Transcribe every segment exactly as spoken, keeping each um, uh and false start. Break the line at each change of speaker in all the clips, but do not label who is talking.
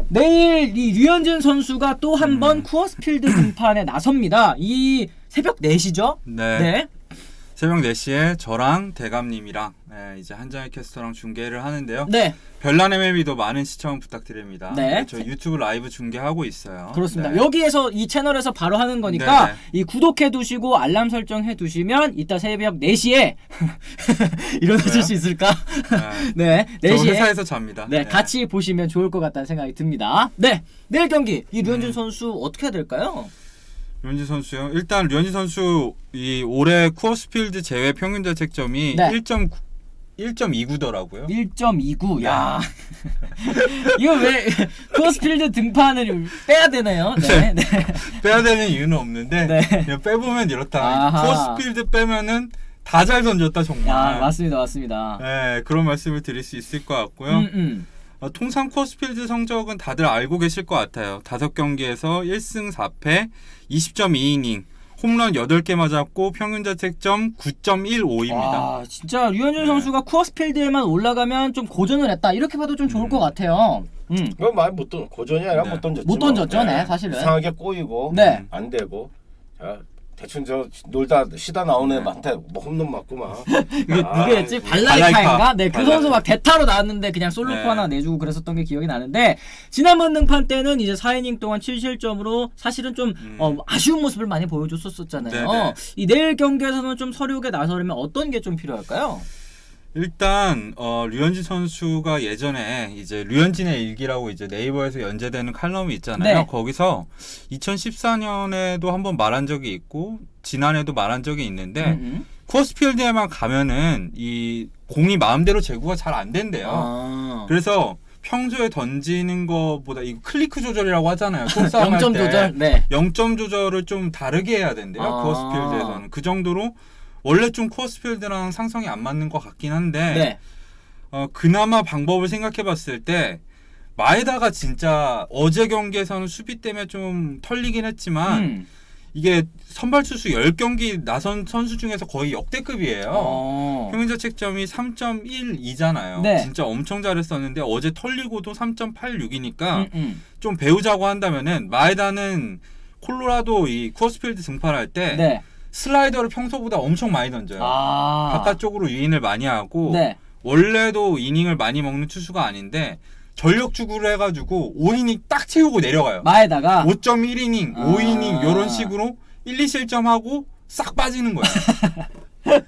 내일 이 류현진 선수가 또 한 번
음.
쿠어스필드 등판에 나섭니다. 이 새벽 네 시죠?
네.
네.
새벽 네 시에 저랑 대감님이랑 네, 이제 한정희 캐스터랑 중계를 하는데요.
네.
별난 엠엘비도 많은 시청 부탁드립니다.
네.
저희 유튜브 라이브 중계하고 있어요.
그렇습니다.
네.
여기에서 이 채널에서 바로 하는 거니까
네네.
이 구독해 두시고 알람 설정해 두시면 이따 새벽 네 시에 일어나실
왜요?
수 있을까?
네.
네. 네
저
시에
회사에서 잡니다.
네, 같이 보시면 좋을 것 같다는 생각이 듭니다. 네. 내일 경기 이 류현진
음.
선수 어떻게 해야 될까요?
류현진 선수요. 일단 류현진 선수 이 올해 쿠어스필드 제외 평균 자책점이
네.
일 점 일 점 이구더라고요.
일 점 이구. 야. 이거 왜 쿠어스필드 등판을 빼야 되나요? 네. 네.
빼야 되는 이유는 없는데
네.
그냥 빼보면 이렇다.
아하.
쿠어스필드 빼면은 다 잘 던졌다 정말.
야, 맞습니다. 맞습니다.
네, 그런 말씀을 드릴 수 있을 것 같고요.
음, 음.
어, 통상 쿠어스필드 성적은 다들 알고 계실 것 같아요. 다섯 경기에서 일 승 사 패, 이십 점 이 이닝, 홈런 여덟 개 맞았고 평균 자책점 구 점 일오입니다.
와, 진짜 류현진
네.
선수가 쿠어스필드에만 올라가면 좀 고전을 했다. 이렇게 봐도 좀 좋을 것 같아요. 음.
그건 많이 못 던, 고전이 아니라
네.
못 던졌지.
못
뭐.
던졌죠, 네, 사실은.
이상하게 꼬이고
네.
안 되고. 자, 대충 저 놀다 쉬다 나온 애한테 뭐 홈런 맞고 막.
이게
아,
누구였지?
이거
발라이카인가? 네, 그
발라이카.
선수 막 대타로 나왔는데 그냥 솔로포
네.
하나 내주고 그랬었던 게 기억이 나는데 지난번 등판 때는 이제 사 이닝 동안 칠 실점으로 사실은 좀
음.
어, 아쉬운 모습을 많이 보여줬었잖아요.
네네.
어, 이 내일 경기에서는 좀 서류에 나서려면 어떤 게 좀 필요할까요?
일단 어, 류현진 선수가 예전에 이제 류현진의 일기라고 이제 네이버에서 연재되는 칼럼이 있잖아요.
네.
거기서 이천십사 년에도 한번 말한 적이 있고 지난해도 말한 적이 있는데
음, 음.
쿠어스필드에만 가면은 이 공이 마음대로 제구가 잘 안 된대요.
아.
그래서 평소에 던지는 것보다 이 클리크 조절이라고 하잖아요. 속싸움
영 점
할 때.
조절. 네.
영 점 조절을 좀 다르게 해야 된대요.
아.
쿠어스필드에서는. 그 정도로 원래 좀 쿠어스필드랑 상성이 안 맞는 것 같긴 한데
네.
어, 그나마 방법을 생각해 봤을 때 마에다가 진짜 어제 경기에서는 수비 때문에 좀 털리긴 했지만
음.
이게 선발 투수 십 경기 나선 선수 중에서 거의 역대급이에요.
어.
평균 자책점이 삼 점 일이잖아요.
네.
진짜 엄청 잘했었는데 어제 털리고도 삼 점 팔육이니까
음, 음.
좀 배우자고 한다면은 마에다는 콜로라도 이 쿠어스필드 등판할 때
네.
슬라이더를 평소보다 엄청 많이 던져요.
아.
바깥쪽으로 유인을 많이 하고
네.
원래도 이닝을 많이 먹는 투수가 아닌데 전력 주구를 해가지고 오 이닝 딱 채우고 내려가요.
마에다가
오 점 일 이닝,
아.
오 이닝 이런 식으로 일, 이 실점하고 싹 빠지는 거예요.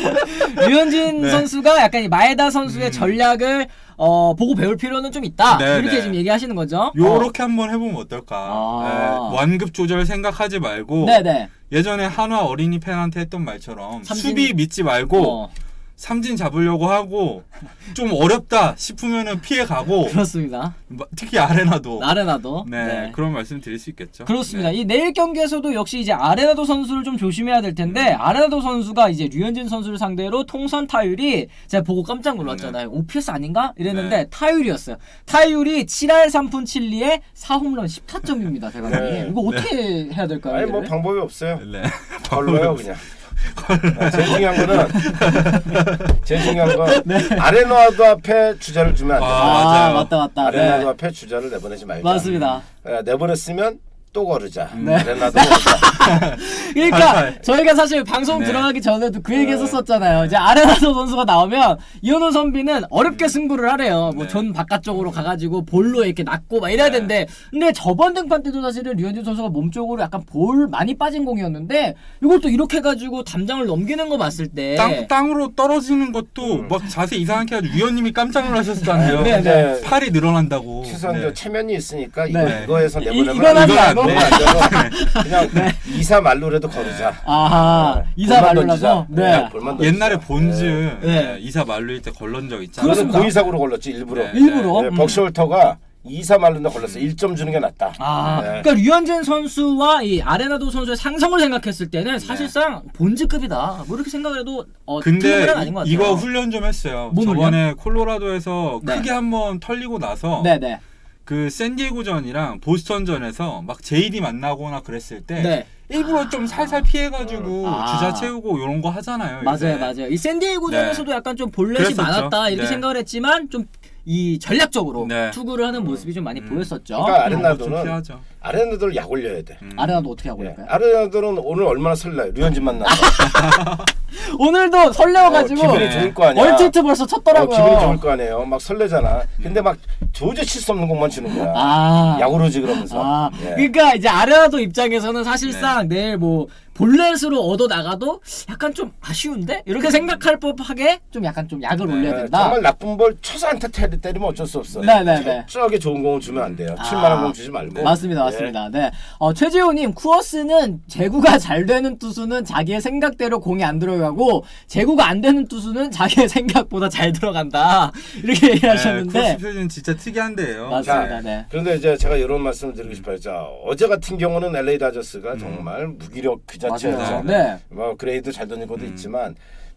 류현진
네.
선수가 약간 이 마에다 선수의
음.
전략을 어, 보고 배울 필요는 좀 있다.
네,
이렇게
네.
지금 얘기하시는 거죠?
요렇게 한번 해보면 어떨까.
아.
네, 완급 조절 생각하지 말고
어. 네네.
예전에 한화 어린이 팬한테 했던 말처럼
삼진-
수비 믿지 말고
어,
삼진 잡으려고 하고 좀 어렵다 싶으면은 피해 가고
그렇습니다.
특히 아레나도
아레나도.
네,
네.
그런 말씀 드릴 수 있겠죠.
그렇습니다.
네.
이 내일 경기에서도 역시 이제 아레나도 선수를 좀 조심해야 될 텐데 아레나도 선수가 이제 류현진 선수를 상대로 통산 타율이 제가 보고 깜짝 놀랐잖아요. 오피에스 아닌가? 이랬는데
네.
타율이었어요. 타율이 칠 할 삼 푼 칠 리에 사 홈런 십 타점입니다. 대감님.
네.
이거 어떻게 해야 될까요?
아니 뭐
얘를?
방법이 없어요.
네.
걸러요 그냥. 아, 제일 중요한 거는 제일 중요한 건
네.
아레나도 앞에 주자를 주면 안 돼.
아,
아,
맞아요.
맞다 맞다.
아레나도
네.
앞에 주자를 내보내지 말자.
맞습니다.
아, 내보냈으면 또 거르자.
네.
아레나도 거르자.
그러니까
팔팔.
저희가 사실 방송
네.
들어가기 전에도 그 얘기 했었잖아요. 이제 아레나도 선수가 나오면 이현우 선비는 어렵게 승부를 하래요. 뭐
네.
전 바깥쪽으로 가가지고 볼로 이렇게 낚고 막 이래야
네.
되는데 근데 저번 등판 때도 사실은 류현진 선수가 몸쪽으로 약간 볼 많이 빠진 공이었는데 이걸 또 이렇게 해가지고 담장을 넘기는 거 봤을 때
땅, 땅으로 떨어지는 것도 막 자세히 이상하게 해가지고 위원님이 깜짝 놀라셨잖아요.
네, 네.
이제
팔이 늘어난다고.
최소한
네.
저 체면이 있으니까
네.
이거, 이거에서
이-
내보내면
이건 하지
이건 안
말고.
돼.
너무 안 되고 그냥 이사 말로라도 거르자.
아하
네.
이사
볼만
말로라서
던지자.
네.
볼만 던지자.
옛날에 본즈
네.
네, 이사 말루일 때 걸른 적 있잖아요.
그것은
그렇습니다.
고의사고로 걸렸지 일부러.
네.
일부러
네,
음.
벅시홀터가 이사 말로나 걸렸어. 일 점 주는 게 낫다.
아,
네.
그러니까 류현진 선수와 이 아레나도 선수의 상성을 생각했을 때는 사실상 본즈급이다. 뭐 이렇게 생각해도 어,
근데
틀린 말은 아닌 것 같아요.
이거 훈련 좀 했어요.
뭔
저번에 콜로라도에서
네.
크게 한번 털리고 나서
네네.
그 샌디에고전이랑 보스턴전에서 막 제이디 만나거나 그랬을 때
네.
일부러 좀 살살 피해가지고
아.
주자 채우고 이런 거 하잖아요.
맞아요,
요새.
맞아요. 이 샌디에고전에서도
네.
약간 좀 볼넷이
그랬었죠.
많았다 이렇게
네.
생각을 했지만 좀 이 전략적으로
네.
투구를 하는 모습이 좀 많이
음.
보였었죠.
그러니까
좀
아레나도는
피하죠.
아레나도를 약 올려야 돼.
음.
아레나도 어떻게 하고
예.
있을까요?
아레나도는 오늘 얼마나 설레요. 류현진 만나서
오늘도 설레어가지고
어, 기분이 좋을 거 아니야.
얼티트 벌써
어,
쳤더라고요.
기분이 좋을 거 아니에요. 막 설레잖아. 근데 막 도저히 칠 수 없는 공만 치는 거야.
아.
야구로지 그러면서.
아,
예.
그러니까 이제 아레나도 입장에서는 사실상 내일 뭐 볼넷으로 얻어 나가도 약간 좀 아쉬운데 이렇게 생각할 법하게 좀 약간 좀 약을
네,
올려야
예,
된다.
정말 나쁜 볼 쳐서 안타 때- 때리면 어쩔 수 없어.
네, 네, 네.
철저하게 좋은 공을 주면 안 돼요.
아,
칠만원 공 주지 말고.
맞습니다,
예.
맞습니다. 네, 어, 최지호님 쿠어스는 제구가 잘 되는 투수는 자기의 생각대로 공이 안 들어가고 제구가 안 되는 투수는 자기의 생각보다 잘 들어간다 이렇게
네,
얘기하셨는데
코스표는 진짜 특이한데요.
맞습니다.
자,
네.
그런데 이제 제가 이런 말씀을 드리고 싶어요. 자, 어제 같은 경우는 엘에이 다저스가 정말 무기력 그 자체였죠.
맞아요. 네.
뭐 그레이도 잘 던진 것도
음.
있지만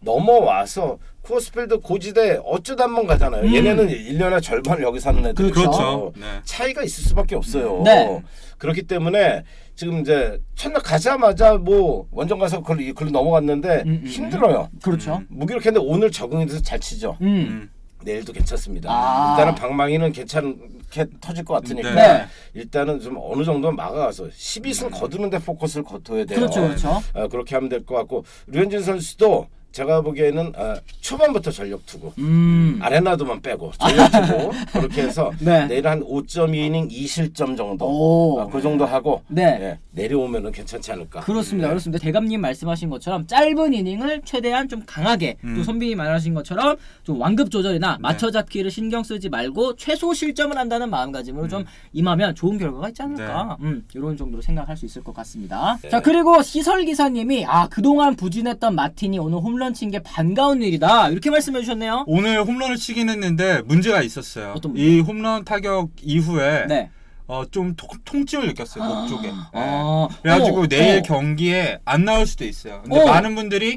넘어와서 쿠어스필드 고지대 어쩌다 한 번 가잖아요.
음.
얘네는 일 년에 절반을 여기 사는 애들.
그렇죠. 네.
차이가 있을 수밖에 없어요.
네.
그렇기 때문에 지금 이제 첫날 가자마자 뭐 원정 가서 그걸로, 그걸로 넘어갔는데
음, 음,
힘들어요.
그렇죠.
음.
무기력했는데 오늘 적응이 돼서 잘 치죠.
음.
음.
내일도 괜찮습니다.
아.
일단은 방망이는 괜찮게 터질 것 같으니까
네.
일단은 좀 어느 정도 막아가서 십이 승 거두는데 포커스를 거둬야 돼요.
그렇죠, 그렇죠.
어, 그렇게 하면 될 것 같고 류현진 선수도 제가 보기에는 어, 초반부터 전력 투구
음.
아레나도만 빼고 전력 투구 그렇게 해서
네.
내일 한 오 점 이 이닝 이 실점 정도
오.
어, 그 정도 하고
네.
예, 내려오면은 괜찮지 않을까.
그렇습니다.
네.
그렇습니다. 대감님 말씀하신 것처럼 짧은 이닝을 최대한 좀 강하게
음.
또 선비님 말하신 것처럼 좀 완급 조절이나 맞춰잡기를 신경 쓰지 말고 최소 실점을 한다는 마음가짐으로 좀 임하면 좋은 결과가 있지 않을까. 음, 이런 정도로 생각할 수 있을 것 같습니다.
네.
자, 그리고 시설 기사님이 아 그동안 부진했던 마틴이 오늘 홈런 친 게 반가운 일이다 이렇게 말씀해 주셨네요.
오늘 홈런을 치긴 했는데 문제가 있었어요.
어떤
이 홈런 타격 이후에
네.
어, 좀 통, 통증을 느꼈어요. 목 쪽에. 네.
아,
그래가지고
어,
내일
어.
경기에 안 나올 수도 있어요. 근데
어.
많은 분들이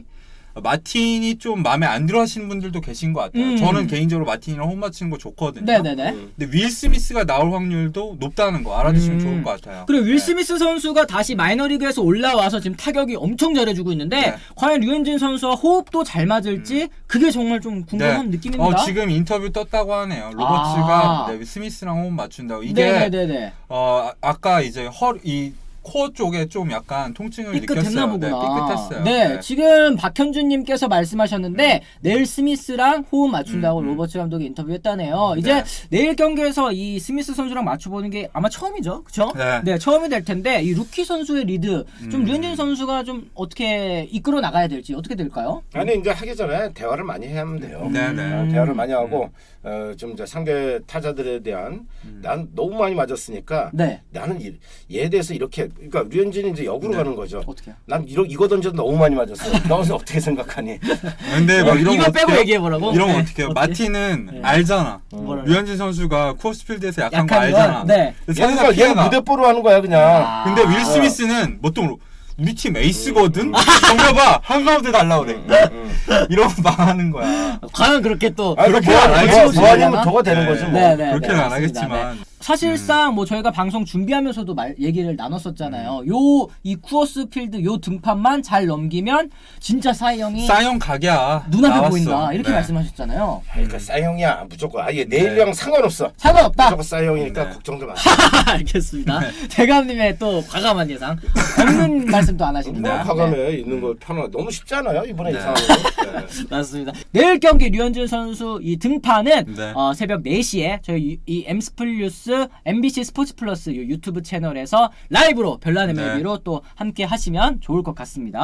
마틴이 좀 마음에 안 들어 하시는 분들도 계신 것 같아요.
음.
저는 개인적으로 마틴이랑 홈 맞히는 거 좋거든요.
네네네.
음.
근데 윌 스미스가 나올 확률도 높다는 거 알아두시면
음.
좋을 것 같아요.
그리고 윌
네.
스미스 선수가 다시 마이너리그에서 올라와서 지금 타격이 엄청 잘해주고 있는데
네.
과연 류현진 선수와 호흡도 잘 맞을지 그게 정말 좀 궁금한 느낌입니다.
어, 지금 인터뷰 떴다고 하네요. 로버츠가
아.
네, 스미스랑 호흡 맞춘다고. 이게
네네네네.
어, 아- 아까 이제 허, 이 코어 쪽에 좀 약간 통증을
삐끗했나
느꼈어요.
보구나.
네, 삐끗했어요.
네,
네.
지금 박현준님께서 말씀하셨는데 내일 스미스랑 호흡 맞춘다고
음, 음.
로버츠 감독이 인터뷰했다네요. 이제
네.
내일 경기에서 이 스미스 선수랑 맞춰보는 게 아마 처음이죠, 그렇죠?
네.
처음이 될 텐데 이 루키 선수의 리드 좀
음.
류현진 선수가 좀 어떻게 이끌어 나가야 될지 어떻게 될까요?
아니 이제 하기 전에 대화를 많이 해야 하면 돼요.
네네.
어, 대화를 많이 하고 어, 좀 이제 상대 타자들에 대한 난 너무 많이 맞았으니까
네,
나는 이, 얘에 대해서 이렇게 그러니까 류현진이 이제 역으로
네.
가는 거죠.
어떻게요?
난 이러 이거 던져도 너무 많이 맞았어. 너는 어떻게 생각하니?
근데 뭐 이런
이거
거
빼고
어떡해요?
얘기해 보라고.
이런 거
네.
어떻게 해요?
어떻게?
마틴은
네.
알잖아.
뭐라고?
류현진 선수가 코어스필드에서 약한, 거
약한 건,
알잖아.
네.
근데
얘는
상대가
얘는
피해가.
무대뽀로 하는 거야 그냥.
아.
근데 윌 스미스는 보통 우리 팀 에이스거든. 정말 한가운데 달라 그래.
음.
이러면 망하는 거야.
과연 그렇게 또
아니
그렇게
뭐,
안
뭐,
하겠지.
뭐 아니면 더가 되는
네.
거지 뭐.
네, 네.
그렇게는 안
맞습니다.
하겠지만.
사실상 뭐 저희가 방송 준비하면서도 말 얘기를 나눴었잖아요.
음.
요 이 쿠어스 필드 요 등판만 잘 넘기면 진짜 사이 형이
싸형 각이야.
눈앞에
나왔어.
보인다 이렇게
네.
말씀하셨잖아요.
그러니까 싸형이야 무조건. 아예 내일이랑 상관없어.
상관없다.
무조건 싸형이니까
네.
걱정도 마.
알겠습니다. 대감님의 또 과감한 예상. 없는 말씀도 안
뭐
하십니다.
과감해
네.
있는 거 편하. 너무 쉽지 않아요 이번에
네.
이 상황은. 네.
맞습니다. 내일 경기 류현진 선수 이 등판은
네.
어, 새벽 네 시에 저희 유- 이 엠스플뉴스 엠비씨 스포츠 플러스 요 유튜브 채널에서 라이브로 별난의
네.
멜비로 또 함께 하시면 좋을 것 같습니다.